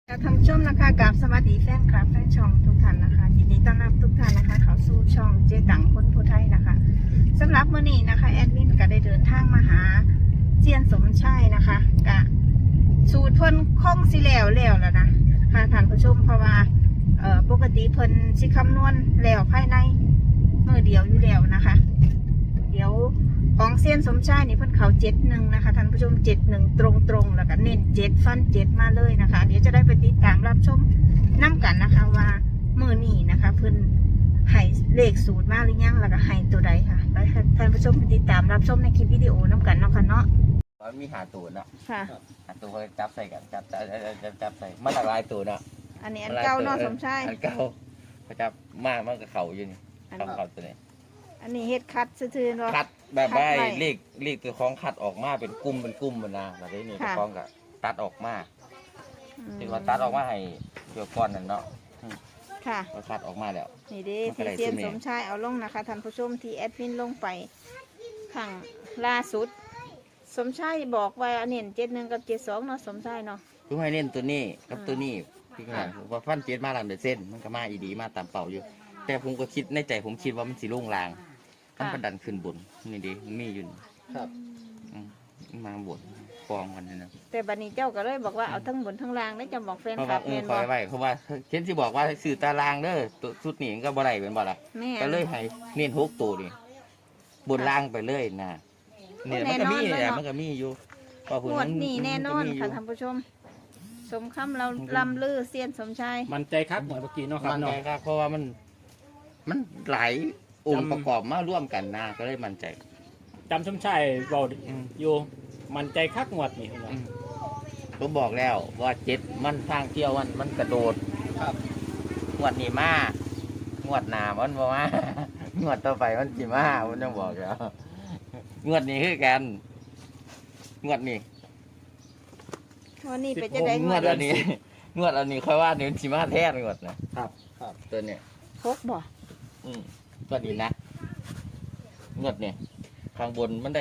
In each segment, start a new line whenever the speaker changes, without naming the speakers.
ท่านผู้ชมนะคะกับสวัสดีแฟนคลับแฟนช่องทุกท่านนะคะยินดีต้อนรับทุกท่านนะคะเข้าสู่ช่องเจ๊ตังคนผู้ไทยนะคะสำหรับมื้อนี้นะคะแอดมินก็ได้เดินทางมาหาเซียนสมชายนะคะกะสูตรเพิ่นคงสิแล้วนะค่ะท่านผู้ชมเพราะว่าปกติเพิ่นสิคำนวณแล้วภายในมื้อเดียวอยู่แล้วนะคะเดี๋ยวของเซียนสมชายนี่เพิ่นเขา71นะคะท่านผู้ชม71ตรงๆแล้วก็เน้น7ฟัน7มาเลยนะคะเดี๋ยวจะได้ไปติดตามรับชมน้ำกันนะคะว่ามื้อนี้นะคะเพิ่นให้เลขสูตรมาหรือยังแล้วก็ให้ตัวใดค่ะไปท่านผู้ชมไปติดตามรับชมในคลิปวิดีโอน้ำกันเนาะค่ะเนาะ
มันมีหาตูนเนาะ
ค่ะ
หาตูนเขาจับใส่กันจับใส่มาหลากหลายตูนเนาะ
อันนี้อันเก่าเนาะสมชาย
อันเก่าเขาจับมันกับเขาอยู่นี่เขาตัวนี้
อันนี้เฮ็ดคัดซื่อๆเนาะ
คัดแบบว่าเลขตัวของคัดออกมาเป็นกลุ่มมันนะแบบนี้ตัวของก็ตัดออกมาที่ว่าตัดออกมาให้เกี่ยวก้อนนั่นเนาะ
ค่ะ
ก็คัดออกมาแล้ว
นี่เด้ที่เซียนสมชายเอาลงนะคะท่านผู้ชมที่แอดมินลงไปข้างล่าสุดสมชายบอกว่าเน้น71กับ72เนาะสมชายเนาะ
คือให้เน้นตัวนี้กับตัวนี้พี่ขนาดว่าฟัน7มา100%มันก็มาอีดีมาตามเป่าอยู่แต่ผมก็คิดในใจผมคิดว่ามันสิลงลางมันประดันขึ้นบนนี่ดิมันมีอยู่
ครับ
มาบนฟองกันนะ
แต่บัดนี้เจ้าก็เลยบอกว่าเอาทั้งบนทั้งล่างได้จะบอกแฟนคลับ
แม่นบ่ไว้เพราะว่าเช่นที่บอกว่าสื่อตารางเด้อชุดนี้ก็บ่ได้เป็นบ่ล่ะก็เลยให้เน้น6ตัวนี่บนล่างไปเลยนะเนี่ยมันก็มีอยู่
งวดนี้แน่นอนค่ะท่านผู้ชมสมคำเราลำลือเซียนสมชาย
มันใจครับเหมือนเมื่อกี้เนาะครับ
มันใจครับเพราะว่ามันหลายองค์ประกอบมาร่วมกันนะก็เลยมั่นใจ
จำสมชายบอกอยู่มันใจคักงวดนี่
ผมบอกแล้วว่า7มันทางเที่ยวมันกระโดด
ครับ
งวดนี้มางวดหน้ามันบ่มางวดต่อไปมันสิมาผมต้องบอกแล้วงวดนี้คือกันงวดนี้
วันนี้เป็นจะได้
งวดอันนี้ค่อยว่าเดี๋ยวสิมาแท้งวดนะครับตัวเนี้ย
พกบ่
งวดนี้นะงวดนี้ข้างบนมันได้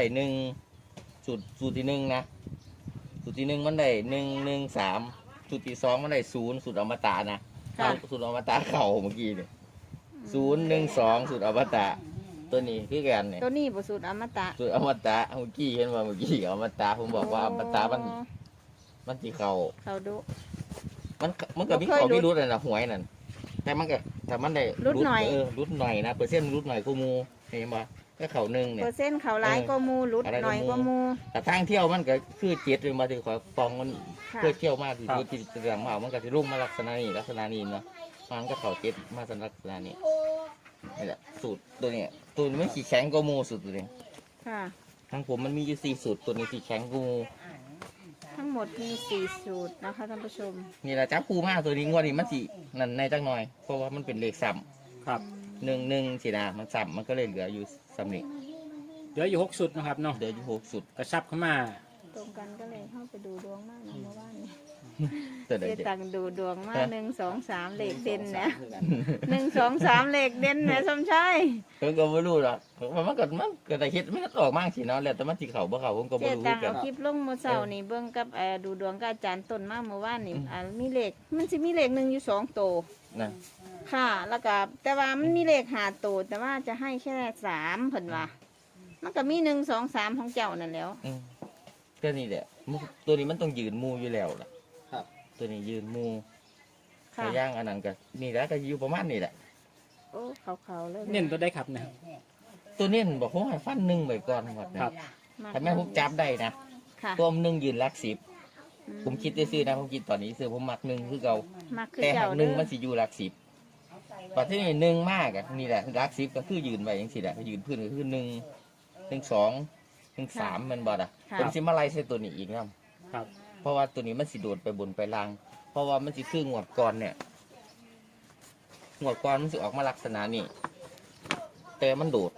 1สูตรที่1นะสูตรที่1มันได้113สูตรที่2มันได้0สูตรอมตะนะสูตรอมตะเข่าเมื่อกี้นี่012สูตรอมตะตัวนี้คือกันเนี่ย
ตัวนี้บ่สูตรอมตะ
สูตรอมตะเมื่อกี้เห็นว่าเมื่อกี้อมตะผมบอกว่าอมตะมันสิเข่า
ดุ
มันก็มีเขาไม่รู้เลยนะหวยนั่นแต่มันได้
รุดหน่อย
รุดหน่อยนะเปอร์เซ็นต์รุดหน่อยกูมูเห็นป่ะแค่เขา1เนี่ย
เปอร์เซ็นต์เขาหลายก็มูรุดหน่อยก็มู
แต่ทางเที่ยวมันก็คือ7เลยมาถึงขอฟองมันเพื่อเที่ยวมากที่ที่จะทำเอามันก็จะรุ่งมาลักษณะนี้เนาะมันก็เขา7มาลักษณะนี้นี่แหละสูตรตัวนี้ไม่ขี่แข็งก็มูสูตรตัวนี้
ค่ะ
ทางผมมันมีอยู่4สูตรตัวนี้ขี่แข็งกูมู
ทั้งหมดมี4สูตรนะคะท่านผู้ชม
นี่แหละจับคู่มากตัวนี้งวดนี้มันสินั่นในจังหน่อยเพราะว่ามันเป็นเลขซ้
ำครับ
1สินะมันซ้ำมันก็เลยเหลืออยู่ซ้ำนี่
เหลืออยู่6สุดนะครับเนาะ
เหลืออยู่6สุด
กระชับเข้ามา
ตรงกันก็เลยเข้าไปดูดวงมากนะเมื่อวานนี้
เจ๊
ตังดูดวงมาก1 2 3เลขเด่นนะ1 2 3เลขเด่นนะสมชาย
ผมก็ไม่รู้หรอกมันก็ได้คิดมันก็ออกมากสิเนาะแล้วแต่มันสิเขาบ่เขาผมก็ไม่รู้
เจ๊ตังเอาคลิปลงเมื่อเช้านี่เบิ่งกับดูดวงกับอาจารย์ต้นมาเมื่อวานนี่มีเลขมันสิมีเลข1อยู่2ตัว
นะ
ค่ะแล้วก็แต่ว่ามันมีเลข5ตัวแต่ว่าจะให้แค่3เพิ่นว่ามันก็มี1 2 3ของเจ้านั่นแล้ว
ก็นี่แหละตัวนี้มันต้องยืนมูอยู่แล้วล่ะตัวนี้ยืนมูขย่างอันนั้นก็นี่แหละก็อยู่ประมาณนี้แหละ
โอ้เขาเลย
เน้นตัวได้ครับนะ
ตัวเน้นบอกผมให้ฟัน1ไว้ก่อนหมดนะครับถ้าแม่ผมจับได้นะตัว1ยืนหลัก10ผมคิดซื้อนะผมคิดตอนนี้ซื้อผมมัก1คือเก่าแต่หาก1มันสิอยู่หลัก10ปัจจุบัน1มากอ่ะนี่แหละหลัก10ก็คือยืนไว้อย่างสิแหละยืนพื้นก็คือ1 2 1 3มันบ่ล่ะผมสิมาไล่ใส่ตัวนี้อีกนะครับเพราะว่าตัวนี้มันสิโดดไปบนไปล่างเพราะว่ามันสิคืองวดก่อนเนี่ยงวดก่อนมันสิออกมาลักษณะนี้แต่มันโดด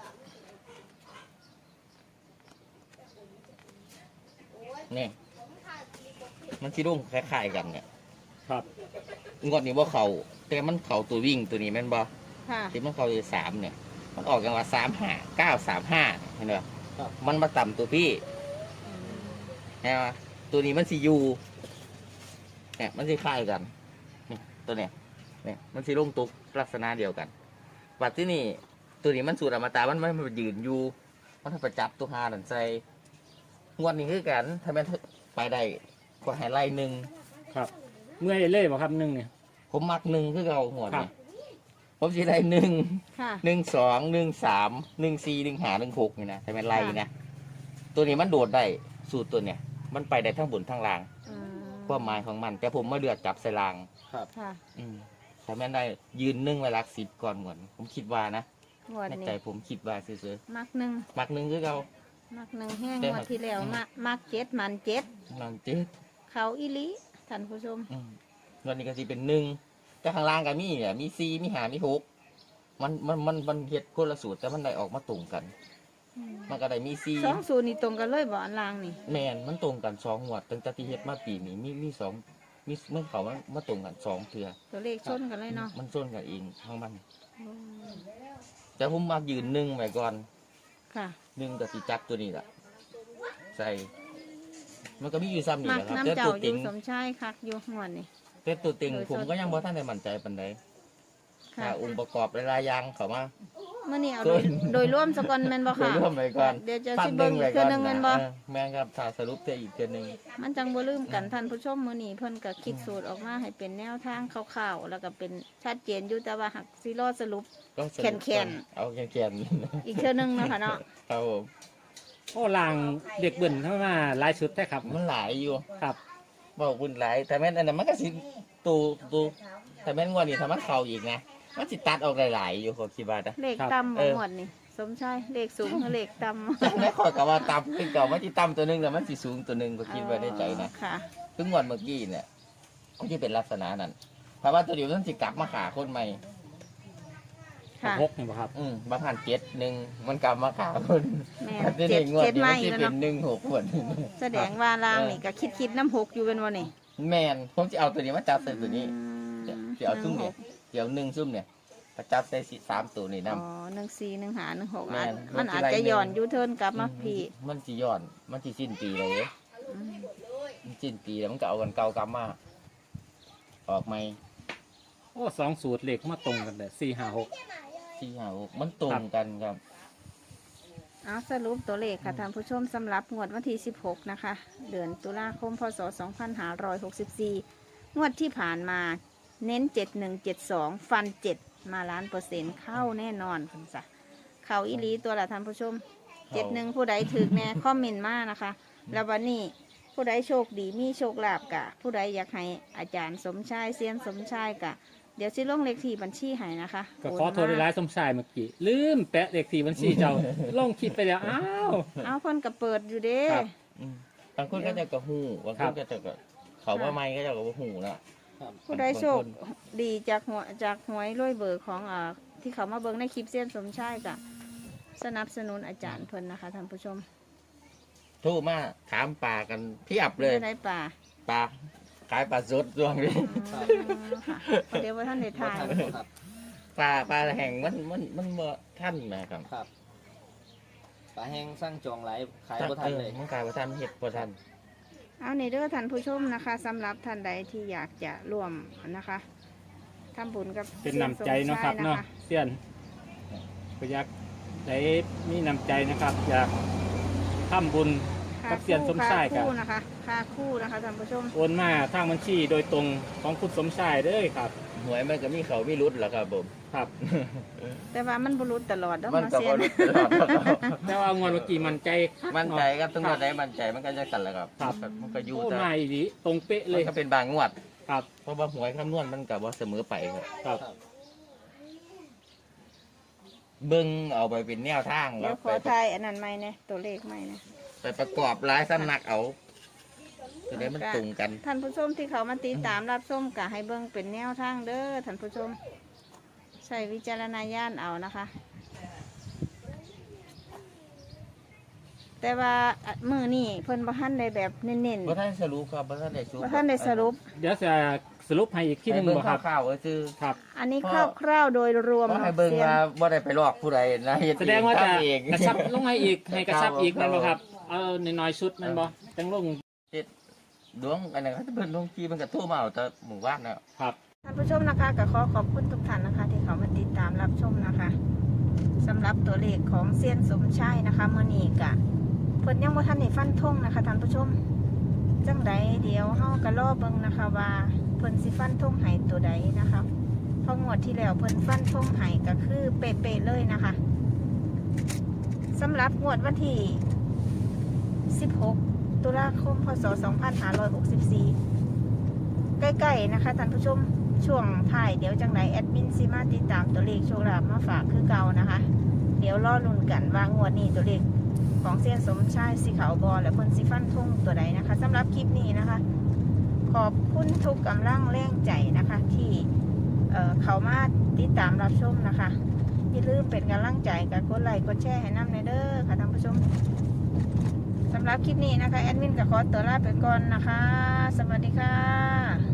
นี่มันสิรุ่งคล้ายๆกันเนี่ย
ครับ
งวดนี้ว่าเขาแต่มันเขาตัววิ่งตัวนี้แม่นบ่ที่มันเขาอยู่3เนี่ยมันออกกันว่า35 935เห็นไหมมันมาต่ำตัวพี่นะตัวนี้มันสิอยู่เนี่ยมันสิคล้ายกันตัวเนี้ยเนี่ยมันสิลงตุกลักษณะเดียวกันบัดที่นี่ตัวนี้มันสูตรอมตะมันยืนอยู่มันไปจับตัวหานั่นใส่งวดนี้คือกันถ้าแม่นไปได้ก็ให้ไล่หนึ่ง
ครับเมื่อยเลยบ่ครับหนึ่งเนี่ย
ผมมักหนึ่งคือเอาหัว
ครั
เนี่
บ
ยผมสิได้หนึ่ง
ค่ะ
1 2 1 3 1 4 1 5 1 6นี่นะถ้าแม่นไล่นะตัวนี้มันโดดได้สูตรตัวเนี่ยมันไปได้ทั้งบนทั้งล่าง
อืม
ความหมายของมัน แต่ผมมาเลือกจับใส่ล่าง
ครับ
ค่ะ
ถ้าแม่นได้ยืนหนึ่งไว้หลักสิบก่อนก่อนผมคิดว่านะ
งวด
ใน
นี้
ใจผมคิดว่าซื้อ
มักหนึ่ง
ๆมักหนึ่งคือเอา
มักหนึ่งแห้ง
แต่
งวดที่แล้วมักเจ็ดมันเจ็ด
นอนเจ็ด
เขาอีหลีท่านผู้ชม
วันนี้ก็สิเป็นหนึ่งแต่ข้างล่างก็มีเนี่ยมี4มี5มี6มันเฮ็ดคนละสูตรแต่มันได้ออกมาตรงกัน มันก็ได้มี4
สองสูตรนี่ตรงกันเลยบ่อันล่างนี่
แม่นมันตรงกัน2งวดตั้งแต่ที่เฮ็ดมาปีนี้มี2มีเมื่อเขามาตรงกัน2เทื่อ
ตัวเลขชนกันเลยเนาะ
มันส้นกันเองทั้งมัน แต่ผมมายืนหนึ่งไว้ก่อน
ค่ะ
หนึ่งกับสิจับตัวนี้แหละใส่ มันก็มีอยู่ซ้ำนี่
มั
แห
ก
ละครับ
น้ำ
แต่
เจ้า
ตัว
อ
ติ
ยู่
ง
สมชายคักอยู่งวดนี่
แต่ตัวติง
โดย
ผมก็ยังบ่ทันได้มั่นใจปานใด
ค่ะ
ถ้าองค์ประกอบหลายๆอย่างเข้ามา
เมื่อนี้เอา
ส่วน
โดยร่วมสกอนแม่นบ่
โด
ค่ะ
ยรวมไปก่อน
เดี๋ยวจะ
ฟั
สิ
นห
เบิ่
นึ่
ง
ง
อี
ไว้
กเทื่
ก่
อ
อน
นึงแม่น
นะ
บ่
แม่นครับถ้าสรุปเจออีกเทื่อนึง
มันจังบ่ลืมกันท่านผู้ชมมื้อนี้เพิ่นก็คิดสูตรออกมาให้เป็นแนวทางคร่าวๆแล้วก็เป็นชัดเจนอยู่แต่ว่าหักสิรอสรุป
ก็สรุป
แข็งๆ
เอาแขน
อีกเทื่อนึงเนาะค่ะเนาะ
ๆครับผม
โอ้ลางเด็กเบิ่นเข้ามาหลายชุดแท้ครับ
มันหลายอยู่
ครับ
บอกบุญหลายแต่แม่นอันนั้นมันก็สิตูแต่แม่นงวดนี้ถ้ามันเข้าอีกนะมันสิตัดออกหลายๆอยู่ผมคิดว่านะ
เลข
ครับ
ต่ำบ่หมดนี่สมชายเลขสูงกับเลขต่ำ
จังได้ขอยกับว่าต่ำขึ้นเก่ามันสิต่ำตัวหนึงแต่มันสิสูงตัวหนึงก็คิดไว้ในใจนะ
ค่ะ
คืองวดเมื่อกี้เนี่ยก็จะเป็นลักษณะนั้นเพราะว่าตัวเดียวมันสิกลับมาขาคนใหม่
ค่ะ
หกนี่บ่ครับ
บางหัน7-1มันกลับมาขาคน
แม่
ที่
เจ็ด
งวด
เจ็ด
นี้
ไม้
มันสิ
แล้ว
เป็
เนาะ
น1-6คน
แสดงว่าลางนี่ก็คิดน้ำหกอยู่เป็นวันนี่
แมนผมจะเอาตัวนี้มาจับใส่ตัวนี้
อืม
จะเอาซุ่มเนี่ยเดี๋ยว1ซุ่มเนี่ยมาจับใส่3ตัวนี่
อ๋
นํ
อ1 4 1 5 1 6
แม่น
มันอาจจะหย่อนยูเทิร์นกลับมาพี่
มันสิย้อนมันสิสิ้นปีเลย
อืม
มันสิ้นปีแล้วมันก็เอากันเก่ากลับมาออกใหม่
โอ้สองสูตรเลขมาตรงกันเลย4 5 6
4-5-6มันตรงกันครับ
เอาสรุปตัวเลขค่ะท่านผู้ชมสำหรับงวดวันที่ 16 นะคะ เดือนตุลาคม พศ 2564 งวดที่ผ่านมาเน้น 7172 ฟัน 7 มา1,000%เข้าแน่นอนคุณจ้ะเข้าอีหลีตัวละท่านผู้ชม 71 ผู้ใดถึกแน่ คอมเมนต์มานะคะ แล้ววันนี้ผู้ใดโชคดีมีโชคลาภกะ ผู้ใดอยากให้อาจารย์สมชายเซียนสมชายกะ เดี๋ยวสิลงเลขที่บัญชีให้นะคะ
ก็ขอโทษหลายๆสมชายเมื่อกี้ลืมแปะเลขที่บัญชีเจ้า ลงคลิปไปแล้วอ้าว
เอาเพิ่นก็เปิดอยู่เด้
ครับ
บางคนก็จะกระหูบางคนก็จะกระเขาว่าไม่ก็จะกระหูนะ
ผู้ใดโชคดีจากหวยรวยเบอร์ของที่เขามาเบิ่งในคลิปเซียนสมชายกะ สนับสนุนอาจารย์เพิ่นนะคะท่านผู้ชม
โทูมาถามปลากันเพียบเลย
อยู่ในป่า
ปลาขายปลาสดช่วงนี้
ค่ะเดี๋ยวว่าท่านได้ทาน
ปลาแห้งมันบ่ท่านนะครับ
ครับปลาแห้งสร้างจองหลายขายบ่ทันเลย
มันกลายว่าท่านเห็ดบ่ท่าน
เอาในเด้อท่านผู้ชมนะคะสำหรับท่านใดที่อยากจะร่วมนะคะทำบุญกับ
เป็นน้ำใจเนาะครับเนาะเสียนก็อยากได้มีน้ำใจนะครับ อยากทำบุญ กับเซียนสมชาย
ค่า
ครับ
คู่นะคะค่าคู่นะคะท่านผู้ชม
โอนมาทางบัญชีโดยตรงของคุณสมชายเด้อครับ
หวยมันก็มีเขามีรุดแหละครับผม
ครับ
แต่ว่ามันบรุษตลอดเด้อ
มัน
มา
ก็
เซีย
บ่
น
รุดตลอดครับ
แต่ว่างวดเมื่อกี้มันใจคัก
มั่นใจ
เาะ
ครับทั้งหมดได้มั่นใจมันก็จะสั่นแหละครับ
ครับ
มันก็อยู่
โอ้
แต่
มาอีดีตรงเป๊ะเล
มัน
ย
ก็เป็นบางงวด
ครับ
เพราะว่าหวยคำนวณมันกับว่าเสมอไปครับ
ครับ
เบิ้งเอาไปเป็นแนวทาง
เดี๋ยวข
ไป
อทายอันนั้นใหม่นะตัวเลขใหม่นะ
ไปประกอบรายสำนักเอาจะได้มันตรงกัน
ท่านผู้ชมที่เขามาติดตามรับชมกะให้เบิ่งเป็นแนวทางเด้อท่านผู้ชมใช้วิจารณญาณเอานะคะ แต่ว่ามือนี่เพิ่นบ่ทันได้แบบเน้น
เพราะท่านสรุปครับเพราะท่านได้สรุป
ๆบ่ทันได้สรุป
เดี๋ยวจะสรุปให้อีกที่หนึง
ให้เบิ้ง
บ่ครับ
ข้าวๆคือ
ครับ
อันนี้คร่าวๆโดยรวม
เพราะให้เบิ้งว่าบ่ได้ไปลอกผู้ใดนะเฮ็
แสดงว่าจะ
ทำเอง
กระชับลงให้อีกให้กระชับอีก
ครั
นั่
บ
นบ่ครับเอาน้อยๆชุดนั่นบ่จังลง
ดวงอันนั้นเขาจะเพิ่นลงทีมันก็โทรมาเอาแต่หมู่บ้านน่ะ
ครับ
ทท่านผู้ชมนะคะก็ขอบคุณทุกท่านนะคะ ที่เขามาติดตามรับชมนะคะสำหรับตัวเลขของเซียนสมชายนะคะมื้อนี้ก็เพิ่นยังบ่ทันได้ฟันธงนะคะท่านผู้ชมจังใดเดี๋ยวเฮาก็รอเบิ่งนะคะว่าเพิ่นสิฟันธงให้ตัวใดนะคะเพราะงวดที่แล้วเพิ่นฟันธงให้ก็คือเป๊ะๆเลยนะคะสำหรับงวดวันที่16 ตุลาคม พศ 2564 ใกล้ๆนะคะท่านผู้ชมช่วงท้ายเดี๋ยวจังไหนแอดมินซิมาติดตามตัวเลขโชคลาภมาฝากคือเก่านะคะ เดี๋ยวรอลุ้นกันว่างวดนี้ตัวเลขของเซียนสมชายสีขาวบอและเพิ่นสิฟันทุ่งตัวใดนะคะสำหรับคลิปนี้นะคะ ขอบคุณทุกกำลังแรงใจนะคะ ที่เขามาติดตามรับชมนะคะอย่าลืมเป็นกำลังใจกับกดไลค์กดแชร์ให้น้ำในเด้อค่ะท่านผู้ชมสำหรับคลิปนี้นะคะแอดมินก็ขอตัวลาไปก่อนนะคะสวัสดีค่ะ